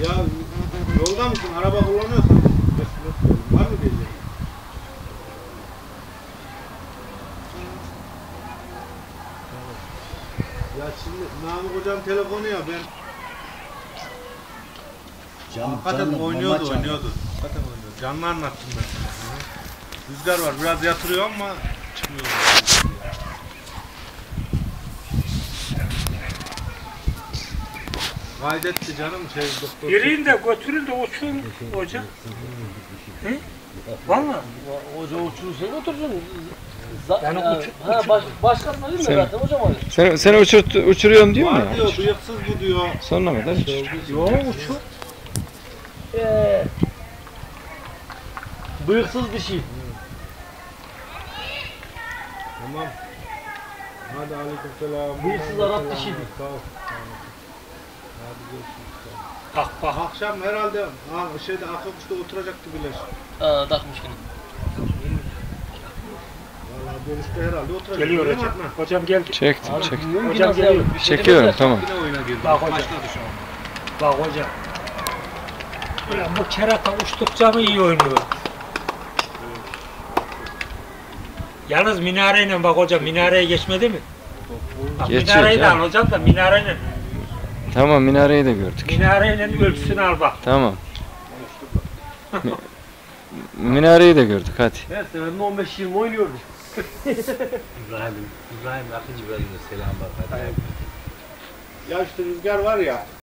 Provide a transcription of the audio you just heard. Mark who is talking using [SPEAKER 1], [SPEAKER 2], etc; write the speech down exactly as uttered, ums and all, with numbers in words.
[SPEAKER 1] Ya yolda mısın? Araba kullanıyorsan var mı diyeceğim? Ya şimdi Namık hocam telefonu ya ben Can, hakikaten canlı, oynuyordu oynuyordu. Hakikaten oynuyordu. Canlı anlattım ben sana. Rüzgar var biraz yatırıyor ama çıkmıyor. Kaydetti canım şey doktor.
[SPEAKER 2] Yürüyün de götürün de uçun hoca. He? Valla.
[SPEAKER 3] Hoca uçurursa götürsün.
[SPEAKER 2] Yani
[SPEAKER 3] yani,
[SPEAKER 2] uçur,
[SPEAKER 3] ha,
[SPEAKER 2] uçur.
[SPEAKER 3] baş, başkasına değil mi
[SPEAKER 4] Sen-
[SPEAKER 3] zaten hocam öyle?
[SPEAKER 4] Sen, seni uçurt, uçuruyorum diyor mu
[SPEAKER 1] Var
[SPEAKER 4] ya?
[SPEAKER 1] diyor bıyıksız bu diyor.
[SPEAKER 4] Sonuna kadar uçur.
[SPEAKER 2] Yok uçur.
[SPEAKER 3] Eee. Bıyıksız dişi.
[SPEAKER 1] Tamam. Hadi aleykümselam.
[SPEAKER 3] Bıyıksız Arap dişiydi.
[SPEAKER 1] Sağ ol. Hadi görüşürüz.
[SPEAKER 2] Bak bak.
[SPEAKER 1] Akşam herhalde ha, şeyde Akıbüş'te oturacaktı Bileş.
[SPEAKER 3] Aa, takmış yine.
[SPEAKER 1] Vallahi dönüşte herhalde oturacak.
[SPEAKER 2] Geliyor
[SPEAKER 1] Değil mi
[SPEAKER 2] hocam.
[SPEAKER 1] Adnan?
[SPEAKER 2] Hocam geldi.
[SPEAKER 4] Çektim,
[SPEAKER 3] Abi
[SPEAKER 4] çektim.
[SPEAKER 3] bilmiyorum ki
[SPEAKER 2] Hocam
[SPEAKER 3] nasıl
[SPEAKER 2] geliyor.
[SPEAKER 3] yapıyor, bir şey
[SPEAKER 4] Çekiyorum,
[SPEAKER 3] demezler.
[SPEAKER 4] tamam.
[SPEAKER 1] Yine oyuna girdi.
[SPEAKER 2] Bak hocam.
[SPEAKER 1] Başladı şu an.
[SPEAKER 2] Bak hocam. Ulan bu kerata uçtukça mı iyi oynuyor? Yalnız minareyle bak hocam minareye geçmedi mi? Bak
[SPEAKER 4] Geçiyor
[SPEAKER 2] minareyi de al
[SPEAKER 4] canım.
[SPEAKER 2] hocam da minareyle.
[SPEAKER 4] Tamam, minareyi de gördük.
[SPEAKER 2] Minareyle ölçüsünü al bak.
[SPEAKER 4] Tamam. Mi- Minareyi de gördük, hadi.
[SPEAKER 3] Her seferinde on beş yirmi oynuyordu.
[SPEAKER 5] İbrahim, İbrahim Akıncı bölümünde selam var.
[SPEAKER 1] Ya işte rüzgar var ya.